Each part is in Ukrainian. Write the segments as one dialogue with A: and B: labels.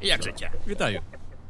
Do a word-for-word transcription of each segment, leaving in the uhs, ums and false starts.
A: Як життя?
B: Вітаю.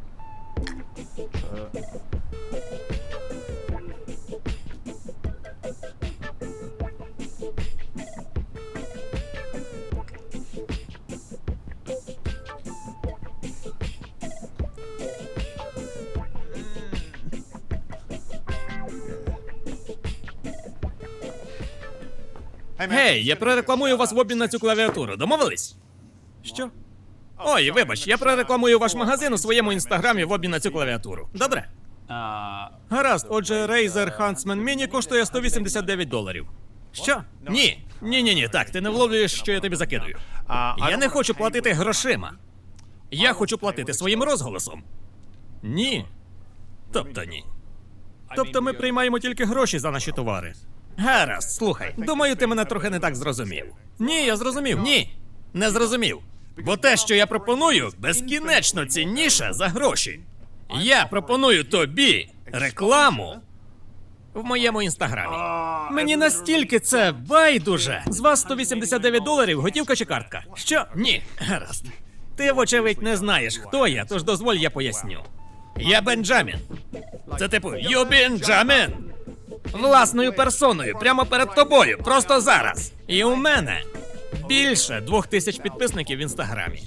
B: Гей, я прорекламую вас в обмін на цю клавіатуру. Домовились? Що? Ой, вибач, я прорекламую ваш магазин у своєму інстаграмі в обмін на цю клавіатуру. Добре? Гаразд, отже, Razer Huntsman Mini коштує сто вісімдесят дев'ять доларів. Що? Ні. Ні-ні-ні, так, ти не вловлюєш, що я тобі закидую. Я не хочу платити грошима. Я хочу платити своїм розголосом. Ні. Тобто ні. Тобто ми приймаємо тільки гроші за наші товари. Гаразд, слухай. Думаю, ти мене трохи не так зрозумів. Ні, я зрозумів. Ні, не зрозумів. Бо те, що я пропоную, безкінечно цінніше за гроші. Я пропоную тобі рекламу в моєму інстаграмі. Мені настільки це байдуже. З вас сто вісімдесят дев'ять доларів, готівка чи картка? Що? Ні. Гаразд. Ти, вочевидь, не знаєш, хто я, тож дозволь, я поясню. Я Бенджамін. Це типу «Ю Бенджамін». Власною персоною, прямо перед тобою, просто зараз. І у мене більше двох тисяч підписників в інстаграмі.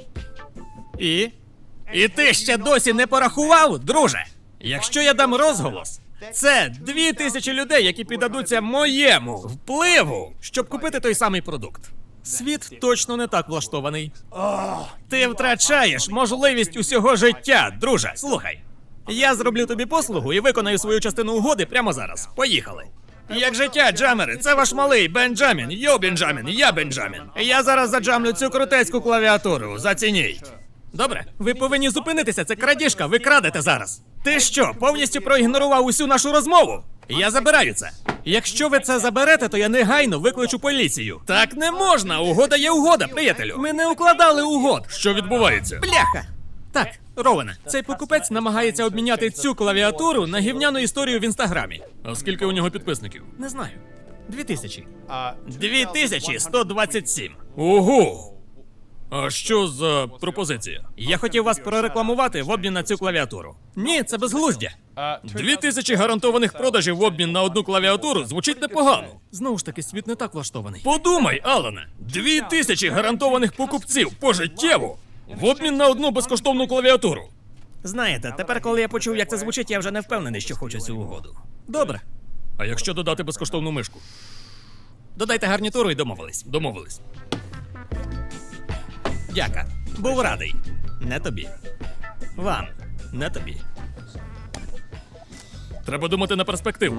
B: І? І ти ще досі не порахував, друже? Якщо я дам розголос, це дві тисячі людей, які піддадуться моєму впливу, щоб купити той самий продукт. Світ точно не так влаштований. Ти втрачаєш можливість усього життя, друже. Слухай. Я зроблю тобі послугу і виконаю свою частину угоди прямо зараз. Поїхали. Як життя, джамери, це ваш малий Бенджамін. Йо, Бенджамін, я Бенджамін. Я зараз заджамлю цю крутецьку клавіатуру. Зацініть. Добре? Ви повинні зупинитися, це крадіжка, ви крадете зараз. Ти що, повністю проігнорував усю нашу розмову? Я забираю це. Якщо ви це заберете, то я негайно викличу поліцію. Так не можна, угода є угода, приятелю. Ми не укладали угод. Що відбувається? Бляха! Так, Ровене, цей покупець намагається обміняти цю клавіатуру на гівняну історію в інстаграмі. А скільки у нього підписників? Не знаю. Дві тисячі. Дві тисячі сто двадцять сім. Ого! А що за пропозиція? Я хотів вас прорекламувати в обмін на цю клавіатуру. Ні, це безглуздя. Дві тисячі гарантованих продажів в обмін на одну клавіатуру звучить непогано. Знову ж таки, світ не так влаштований. Подумай, Алане, дві тисячі гарантованих покупців пожиттєво в обмін на одну безкоштовну клавіатуру. Знаєте, тепер, коли я почув, як це звучить, я вже не впевнений, що хочу цю угоду. Добре. А якщо додати безкоштовну мишку? Додайте гарнітуру і домовились. Домовились. Дяка. Був радий. Не тобі. Вам. Не тобі. Треба думати на перспективу.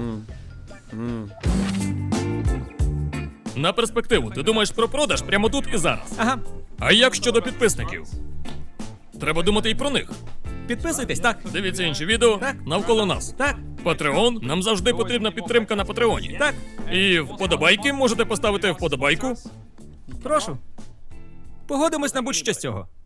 B: На перспективу. Ти думаєш про продаж прямо тут і зараз. Ага. А як щодо підписників? Треба думати і про них. Підписуйтесь, так. Дивіться інші відео так. Навколо нас. Так. Патреон. Нам завжди потрібна підтримка на Патреоні. Так. І вподобайки можете поставити вподобайку. Прошу. Погодимось на будь-що з цього.